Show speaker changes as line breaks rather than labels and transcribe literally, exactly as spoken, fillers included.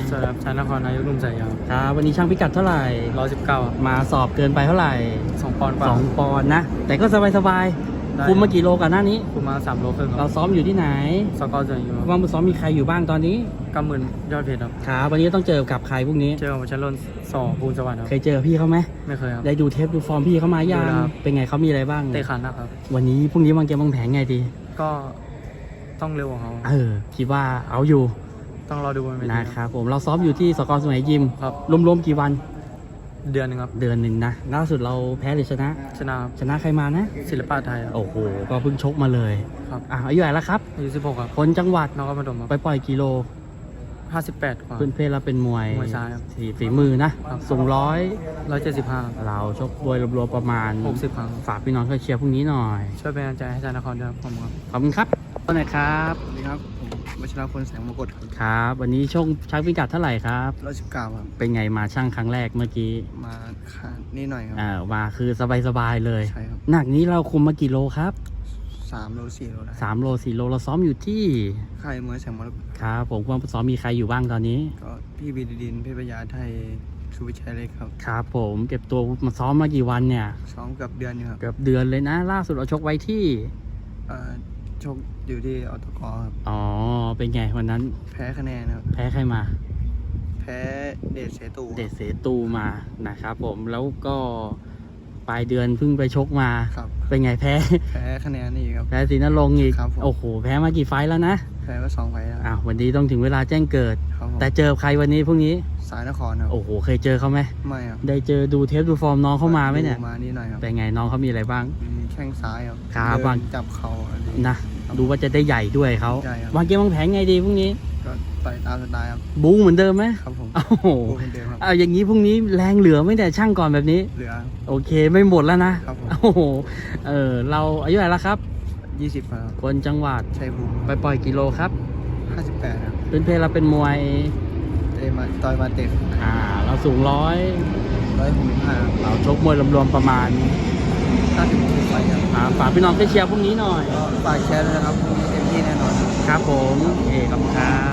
สวัสดีครับชายนครนายกลุ่มสายยาว
ครับวันนี้ช่างพิกัดเท่าไหร่
ร้อยสิบเก้า
มาสอบเกินไปเท่าไหร่
สองปอนด์กว่า
สองปอนด์นะ แต่ก็สบายสบาย
ได้
คุมมากี่โลกันหน้านี้
คุมมาสามโลครึ่งค
เรา
รับ
ซ้อมอยู่ที่ไหน
สกอร์เจออยู่
ว่างซ้อมมีใครอยู่บ้างตอนนี้
กำหมื่นยอดเพชรครับ
ครับวันนี้ต้องเจอกับใครพวกนี้
เจอกับชันรนสอภูลสวัสดิ์ครับ
เคยเจอพี่เขาไหม
ไม่เคยครับ
ได้ดูเทปดูฟอร์มพี่เขามายัง
ดูแล้วครับ
เป็นไงเขามีอะไรบ้าง
เตะขานะครับ
วันนี้พรุ่งนี้วางเกมวางแผนไงดี
ก็ต้องเร็วกว่าเขา
เออคิดว่าเอาอยู่
ต้องรอดูบนเวที
นะครับผมเราซ้อมอยู่ที่สกอร์สมัยยิม
ครับ
รวมๆกี่วัน
เดือนหนึงครับ
เดือนหนึ่งนะล่าสุดเราแพ้หรือชนะ
ชนะครับ
ชนะใครมานะ
ศิลปะไทยครับ
โอ้โหก็เพิ่งชกมาเลย
ครับ
อ่ะอายุเท่าไหร่แล้วครับ
อายุสิบหกครับ
คนจังหวัด
นครปฐมค
ไป
รับ
ปล่อยกิโล
ห้าสิบแปดกว่า
เพื่อนเพศเราเป็นมวย
มวยซ้ายครับ
ฝีฝีมือนะครับ สูงร้อย
ร้อยเจ็ดสิบห้า
เราชกโดยรวมๆประมาณ
หกสิบครั้ง
ฝากพี่น้องช่วยเชียร์พรุ่งนี้หน่อย
ช่วยเป็นกำลังใจให้ชายนครด้วยครับผมครับ
ขอบคุณครับต้นไหนครับ
สวัสดีครับผมวัชรพลแสงมงกตครับ
ครับ วันนี้ช่วงชักพิกัดเท่าไหร่ครับ
ร้อยสิบเก้าครับ
เป็นไงมาช่างครั้งแรกเมื่อกี้
มาขาดนี่หน่อยครับ
อ่ามาคือสบายๆเลย
ใช่ครับ
หนักนี้เราคุมมากี่โลครับ
สามโลสี่โลได้
สามโลสี่โลเราซ้อมอยู่ที่
ค่ายมวยแสงมรกต
ครับผมว่าซ้อมมีใครอยู่บ้างตอนนี้
ก็พี่บีดดินเพชรพญาไทยสุวิชัยเล็กครับ
ครับผมเก็บตัวมาซ้อมมากี่วันเนี่ย
ซ้อมเกับเดือนอยู่ครับ
เกือบเดือนเลยนะ ล่าสุดเราชกไว้ที่
เอ่อชกอยู่ที่ออตกครับ
อ๋อ เป็นไงวันนั้น
แพ้คะแนนครับ
แพ้ใครมา
แพ้เดชเสตู
เดชเสตูมานะครับผมแล้วก็ปลายเดือนเพิ่งไปชกมา
ครับ
เป็นไงแพ้
แพ้คะแนนนี่ครับ
แพ้ศรีนรงค์อีก
ครับผม
โอ้โห แพ้มากี่ไฟต์แล้วนะ
แพ้มาสองไฟล์แล้ว
อ้าววันนี้ต้องถึงเวลาแจ้งเกิด
ครับผม
แต่เจอใครวันนี้พรุ่งนี้
สายนครครับ
โอ้โห เคยเจอเขาไหม
ไม่ครับ
ได้เจอดูเทปดูฟอร์มน้องเขามาไหมเนี่ย
ดูมานี่หน่อยครับ
เป็นไงน้องเขามีอะไรบ้าง
มีแข้งซ้ายครับ
ครับ
เดิ
วาง
นจับเข่าอะไร
นะ ดูว่าจะได้ใหญ่ด้วยเขา
ใช่ครับ
วางเกมวางแผนไงดีพรุ่งนี้
ก็ต่อยตามสไตล์ครับ
บู๊เหมือนเดิมไหม
ครับผม
โอ้โห
โอ้เป็นเดิมครับ
เอาอย่างนี้พรุ่งนี้แรงเหลือไม่แต่ช่างก่อนแบบนี้
เหลือ
โอเคไม่หมดแล้วนะครับ
ผม
โอ้โหเออเราอายุเท่าไหร่แล้วครับ
ยี่สิบครับ
คนจังหวัด
ชัยภูมิ
ไปปล่อยกิโลครับ
ห้าสิบแปดครับ
เป็นเพลเราเป็นมวย
เตะมาต่อยมาเตะ
อ่าเราสูงร้อย
ร้อยหกสิบห้า
เราชกมวยรวมๆประมาณ
ห้าสิบหกสิบไฟครับ
อ่าฝากพี่น้องไปเชียร์พรุ่งนี้หน่อย
ก็ฝากแชร์ด้วยนะครับพรุ่งนี้เต็มที่แน่นอน
ครับผมโอเคขอบคุณครับ